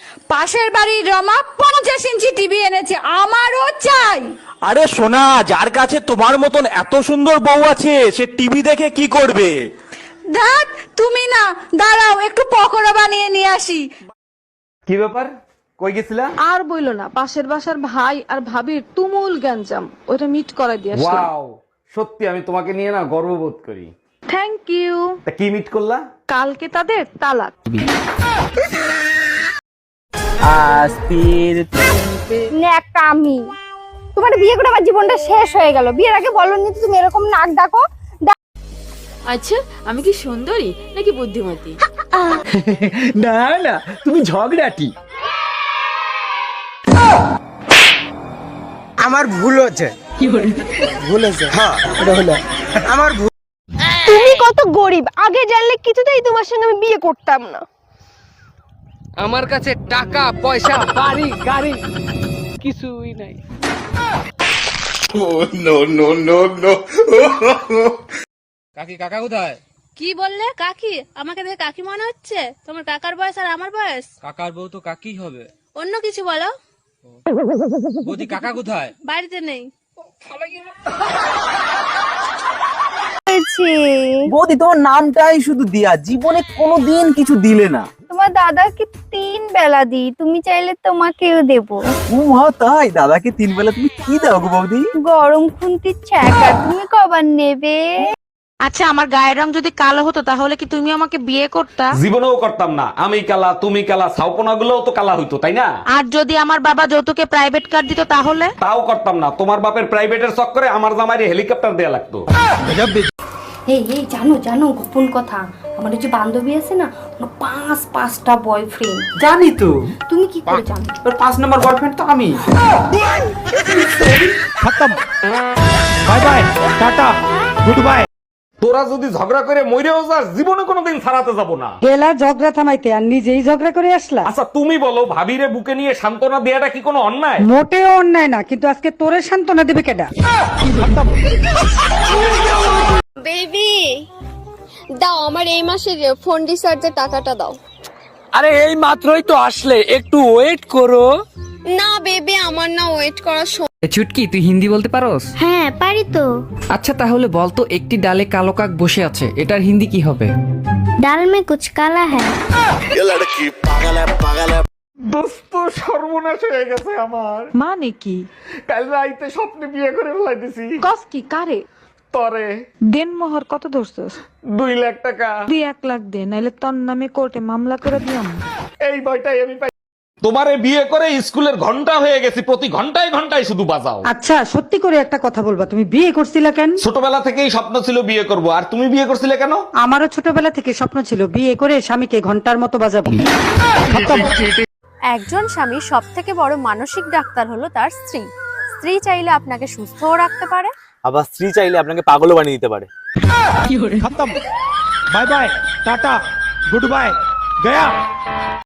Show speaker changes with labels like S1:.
S1: পাশের বাড়ির Rama 50 inch TV এনেছে, আমারও চাই।
S2: আরে সোনা, যার কাছে তোমার মতন এত সুন্দর বউ আছে সে টিভি দেখে কি করবে?
S1: দেখ তুমি না, দাঁড়াও একটু পকোড়া বানিয়ে নিয়ে আসি।
S3: কি ব্যাপার, কই গেছিলা?
S4: আর বইলো না, পাশের বাসার ভাই আর ভাবির তুমুল গ্যাঞ্জাম, ওইটা মিট করাই দিয়ে আসলাম।
S3: ওয়াও, সত্যি আমি তোমাকে নিয়ে না গর্ববোধ করি।
S4: Thank you.
S3: তা কি মিট করলা?
S4: কালকে তাদের তালাক।
S5: ন্যাকামি, তোমার বিয়ে করে আমার জীবনটা শেষ হয়ে গেল। বিয়ের আগে বলনি তুমি এরকম নাক ডাকো।
S6: আচ্ছা, আমি কি সুন্দরী নাকি বুদ্ধিমতী?
S2: না না, তুমি ঝগড়াটি।
S7: আমার ভুল হচ্ছে। ভুল হচ্ছে, হ্যাঁ এটা হলো আমার ভুল।
S5: তুমি কত গরিব, আগে জানলে কিছুতেই তোমার সঙ্গে আমি বিয়ে করতাম না।
S8: আমার কাছে টাকা পয়সা বাড়ি গাড়ি কিছুই নাই।
S9: কাকি, কাকা কোথায়?
S6: কি বললে? কাকি? আমাকে দেখে কাকি মনে হচ্ছে? তোমার কাকার বয়স আর আমার বয়স?
S9: কাকার বউ তো কাকি হবে।
S6: অন্য কিছু বলো।
S9: বৌদি, কাকা কোথায়?
S6: বাড়িতে নেই।
S7: বৌদি, তোমার নামটাই শুধু দিয়া, জীবনে কোনোদিন কিছু দিলে না।
S5: তোমার দাদাকে 3 বেলা দিই, তুমি চাইলে তোমাকেও দেবো।
S7: তাই দাদাকে 3 বেলা তুমি কি দাও গো বৌদি?
S5: গরম খুন্তির ছ্যাঁকা, তুমি কবার নেবে?
S4: আচ্ছা, আমার গায়ের রং যদি কালো হতো তাহলে কি তুমি আমাকে বিয়ে করতা?
S3: জীবনেও করতাম না। আমি কালা, তুমি কালা, ছাউপনা গুলোও তো কালা হইতো, তাই না?
S4: আর যদি আমার বাবা যৌতুকে প্রাইভেট কার দিত তাহলে?
S3: তাও করতাম না। তোমার বাপের প্রাইভেটের চক্করে আমার জামাইরে হেলিকপ্টার দেয়া লাগতো।
S5: এই এই জানো জানো গোপন কথা, আমার যে বান্ধবী আছে না, ওর 5টা বয়ফ্রেন্ড।
S8: জানি তো,
S5: তুমি কি করে জানো?
S8: তোর 5 নম্বর বয়ফ্রেন্ড তো আমি।
S2: খতম, bye bye, tata, good bye.
S3: তোরা যদি ঝগড়া করে মইরেও যাস, জীবনে কোনোদিন ছাড়াতে যাব না।
S4: গেলা ঝগড়া থামাইতে আর নিজেই ঝগড়া করে আসলা।
S3: আচ্ছা তুমি বলো, ভাবিরে বুকে নিয়ে সান্ত্বনা দেয়াটা কি কোনো অন্যায়?
S4: মোটেও অন্যায় না, কিন্তু আজকে তোরে সান্ত্বনা দেবে কেডা?
S5: বেবি দাও, আমার এই মাসের ফোন রিচার্জের টাকাটা দাও।
S8: আরে এই মাত্রই তো আসলে, একটু ওয়েট করো।
S5: না বেবি, আমার না ওয়েট করা।
S8: চুটকি, তুই হিন্দি বলতে পারোস?
S5: হ্যাঁ পারি তো।
S8: আচ্ছা তাহলে বলতো, একটি ডালে কালো কাক বসে আছে, এটার হিন্দি কি হবে?
S5: ডাল মে কুছ কালা হ্যায়।
S3: দোস্ত, সর্বনাশ হয়ে গেছে আমার।
S4: মানে কি?
S3: কাল রাইতে স্বপ্নে বিয়ে করে ফেলাইতেছি।
S4: কস কি কারে?
S3: তরে
S4: দেন মোহর কত ধরছস?
S3: 2 লাখ টাকা।
S4: 1 লাখ দে, নাইলে তোর নামে কোর্টে মামলা করে দিলাম।
S3: এই ভয়টাই আমি পাই। তোমারে বিয়ে করে স্কুলের ঘন্টা হয়ে গেছি, প্রতি ঘন্টায় ঘন্টায় শুধু বাজাও।
S4: আচ্ছা সত্যি করে একটা কথা বলবা, তুমি বিয়ে করছিলা কেন?
S3: ছোটবেলা থেকেই স্বপ্ন ছিল বিয়ে করব। আর তুমি বিয়ে করছিলে কেন?
S4: আমারও ছোটবেলা থেকে স্বপ্ন ছিল বিয়ে করে স্বামীকে ঘন্টার মতো বাজাবো।
S6: একজন স্বামী সব থেকে বড় মানসিক ডাক্তার হলো তার স্ত্রী। স্ত্রী চাইলে আপনাকে সুস্থও রাখতে পারে,
S7: আবার স্ত্রী চাইলে আপনাকে পাগলও বানিয়ে দিতে পারে।
S2: খতম, bye bye, tata, good bye, Gaya.